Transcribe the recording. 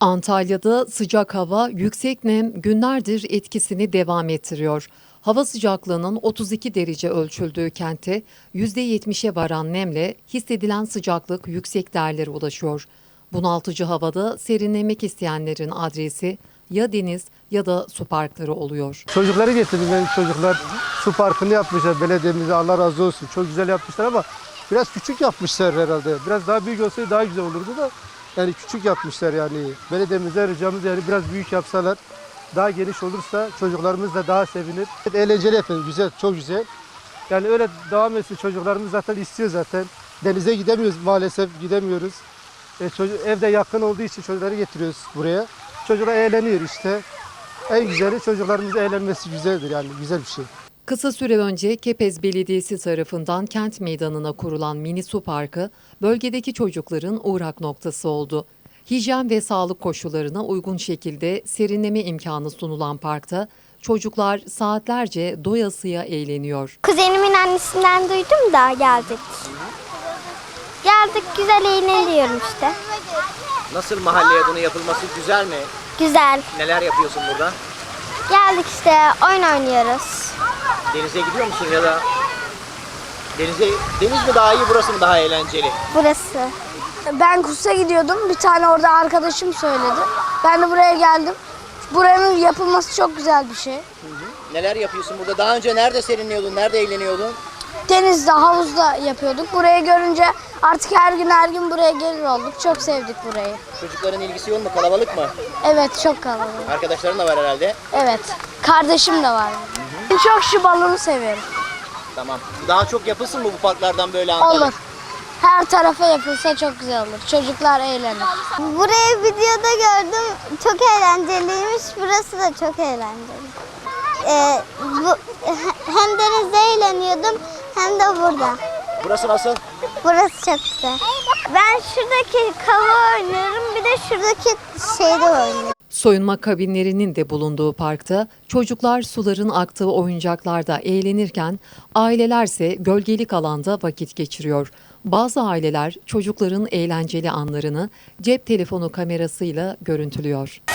Antalya'da sıcak hava, yüksek nem günlerdir etkisini devam ettiriyor. Hava sıcaklığının 32 derece ölçüldüğü kentte %70'e varan nemle hissedilen sıcaklık yüksek değerlere ulaşıyor. Bunaltıcı havada serinlemek isteyenlerin adresi ya deniz ya da su parkları oluyor. Çocukları getirdim, benim çocuklar su parkını yapmışlar belediyemize, Allah razı olsun. Çok güzel yapmışlar ama biraz küçük yapmışlar herhalde. Biraz daha büyük olsaydı daha güzel olurdu da yani küçük yapmışlar yani. Belediyemize ricamız yani biraz büyük yapsalar, daha geniş olursa çocuklarımız da daha sevinir. Eğlenceli efendim, güzel, çok güzel. Yani öyle devam etsin, çocuklarımız zaten istiyor zaten. Denize gidemiyoruz maalesef, gidemiyoruz. Evde yakın olduğu için çocukları getiriyoruz buraya. Çocuklar eğleniyor işte. En güzeli çocuklarımızın eğlenmesi güzeldir yani, güzel bir şey. Kısa süre önce Kepez Belediyesi tarafından kent meydanına kurulan mini su parkı bölgedeki çocukların uğrak noktası oldu. Hijyen ve sağlık koşullarına uygun şekilde serinleme imkanı sunulan parkta çocuklar saatlerce doyasıya eğleniyor. Kuzenimin annesinden duydum da geldik. Geldik, güzel eğleniyorum işte. Nasıl, mahalleye bunun yapılması güzel mi? Güzel. Neler yapıyorsun burada? Geldik işte, oyun oynuyoruz. Denize gidiyor musun ya da deniz mi daha iyi, burası mı daha eğlenceli? Burası. Ben kursa gidiyordum. Bir tane orada arkadaşım söyledi. Ben de buraya geldim. Buranın yapılması çok güzel bir şey. Neler yapıyorsun burada? Daha önce nerede serinliyordun, nerede eğleniyordun? Denizde, havuzda yapıyorduk. Burayı görünce artık her gün buraya gelir olduk. Çok sevdik burayı. Çocukların ilgisi yoğun mu, kalabalık mı? Evet, çok kalabalık. Arkadaşların da var herhalde. Evet, kardeşim de var. Ben çok şu balonu seviyorum. Tamam. Daha çok yapılsın mı bu parklardan böyle Antalya? Olur. Her tarafa yapılsa çok güzel olur. Çocuklar eğlenir. Burayı videoda gördüm. Çok eğlenceliymiş. Burası da çok eğlenceli. Hem denizde eğleniyordum hem de burada. Burası nasıl? Burası çok güzel. Ben şuradaki kava oynuyorum. Bir de şuradaki şeyde oynuyorum. Soyunma kabinlerinin de bulunduğu parkta çocuklar suların aktığı oyuncaklarda eğlenirken ailelerse gölgelik alanda vakit geçiriyor. Bazı aileler çocukların eğlenceli anlarını cep telefonu kamerasıyla görüntülüyor.